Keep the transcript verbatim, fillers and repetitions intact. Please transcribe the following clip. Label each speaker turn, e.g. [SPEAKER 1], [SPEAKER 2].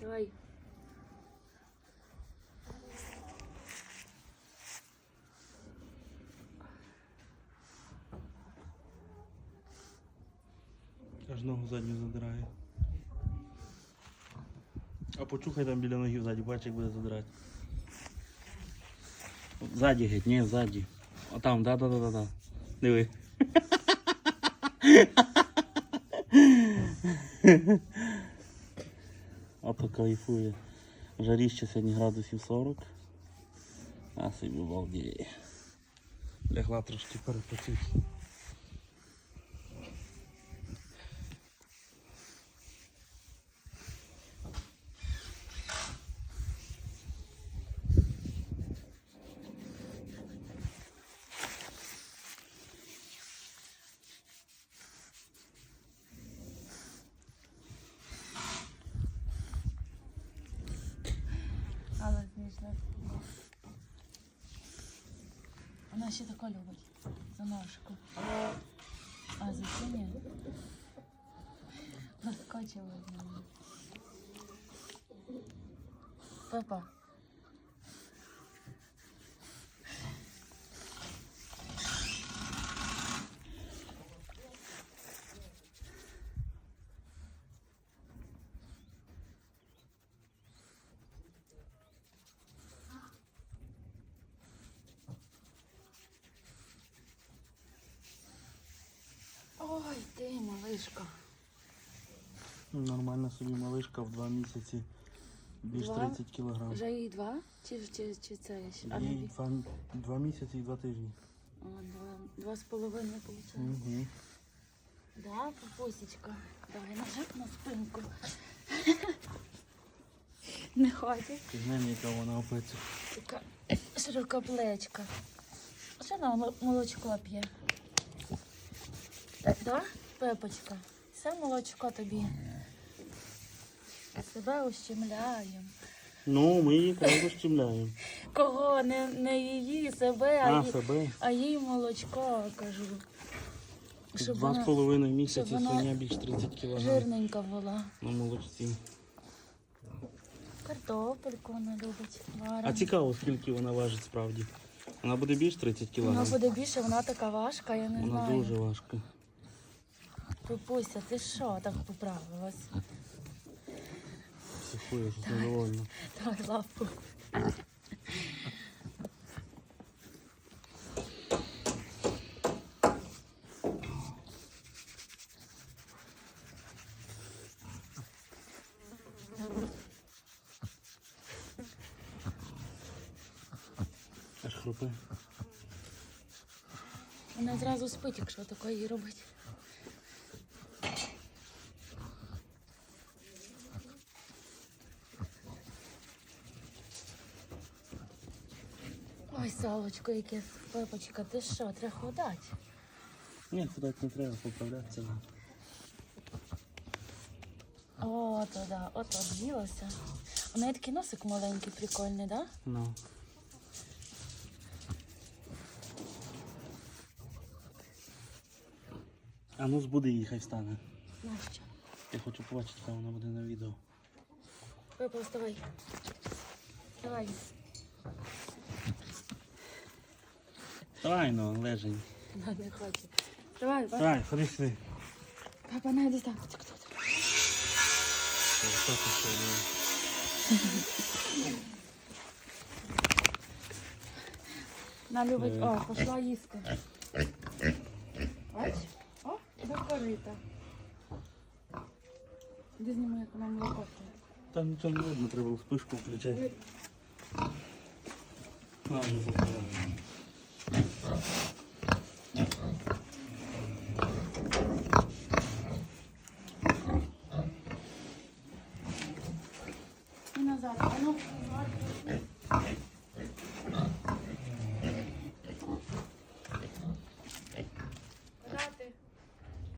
[SPEAKER 1] Давай.
[SPEAKER 2] Аж ногу задню задирає. А почухай там біля ноги ззаді, бач, як буде задирати. Ззаді геть, ні, ззаді. А там, да-да-да-да. Диви. Ото кайфує. Жаріще сьогодні градусів сорок. А собі балдіє. Лягла трошки перепочити.
[SPEAKER 1] Але смішно. Вона ще тако любить. За ножку. А за це ні. Наскочила з нею. Папа. Ой, ти, малишка.
[SPEAKER 2] Нормальна собі малишка в два місяці. Більш
[SPEAKER 1] Два?
[SPEAKER 2] тридцять кілограм.
[SPEAKER 1] Вже їй два? Чи, чи, чи це ще? А,
[SPEAKER 2] Їй
[SPEAKER 1] не,
[SPEAKER 2] два, два місяці і два тижні.
[SPEAKER 1] О, два, два з половиною виходить.
[SPEAKER 2] Угу.
[SPEAKER 1] Да, пупусечка. Давай нажик на спинку. Не хочеш?
[SPEAKER 2] Ти знаєш, яка вона опиться.
[SPEAKER 1] Така широкоплечка. Що вона молочко п'є? Да, Пепочка? Все молочко тобі. Себе ущемляємо.
[SPEAKER 2] Ну, ми її кров щемляємо.
[SPEAKER 1] Кого? Не, не її, себе, а,
[SPEAKER 2] А,
[SPEAKER 1] ї-
[SPEAKER 2] себе.
[SPEAKER 1] а їй молочко, кажу. Щоб
[SPEAKER 2] Два з
[SPEAKER 1] вона
[SPEAKER 2] половиною місяці
[SPEAKER 1] щоб вона
[SPEAKER 2] свиня більш тридцять кілограм.
[SPEAKER 1] жирненька була.
[SPEAKER 2] На молочці.
[SPEAKER 1] Картопельку вона любить.
[SPEAKER 2] А
[SPEAKER 1] Варимо.
[SPEAKER 2] цікаво, скільки вона важить справді. Вона буде більш тридцять
[SPEAKER 1] Вона
[SPEAKER 2] кілограм.
[SPEAKER 1] буде більше, вона така важка, я не
[SPEAKER 2] Вона
[SPEAKER 1] знаю.
[SPEAKER 2] дуже важка.
[SPEAKER 1] Пупуся, ти що так поправилась?
[SPEAKER 2] Психує, щось недовольна.
[SPEAKER 1] Давай лапку.
[SPEAKER 2] Аж хрупе.
[SPEAKER 1] Вона зразу спить, якщо таке їй робить. Ой, салочко, яке Пепочка, ти що, треба ходати?
[SPEAKER 2] Ні, ходати не треба, поправлятися.
[SPEAKER 1] О, то да, от об'їлася. У неї такий носик маленький, прикольний, да?
[SPEAKER 2] Ну. А ну збуди її, хай встане.
[SPEAKER 1] Нащо?
[SPEAKER 2] Я хочу побачити, яка вона буде на відео.
[SPEAKER 1] Пепа, вставай. Вставай.
[SPEAKER 2] Давай, ну, лежень.
[SPEAKER 1] Вона не хоче. Давай, папа.
[SPEAKER 2] Давай, ходи сюди.
[SPEAKER 1] Папа, найди там.
[SPEAKER 2] Що ти що, диви.
[SPEAKER 1] Вона любить, о, пішла їсти. Бач? О, до корита. Іди зніми, як вона молоко п'є.
[SPEAKER 2] Там нічого не видно, треба вспишку включати. На, не закривай.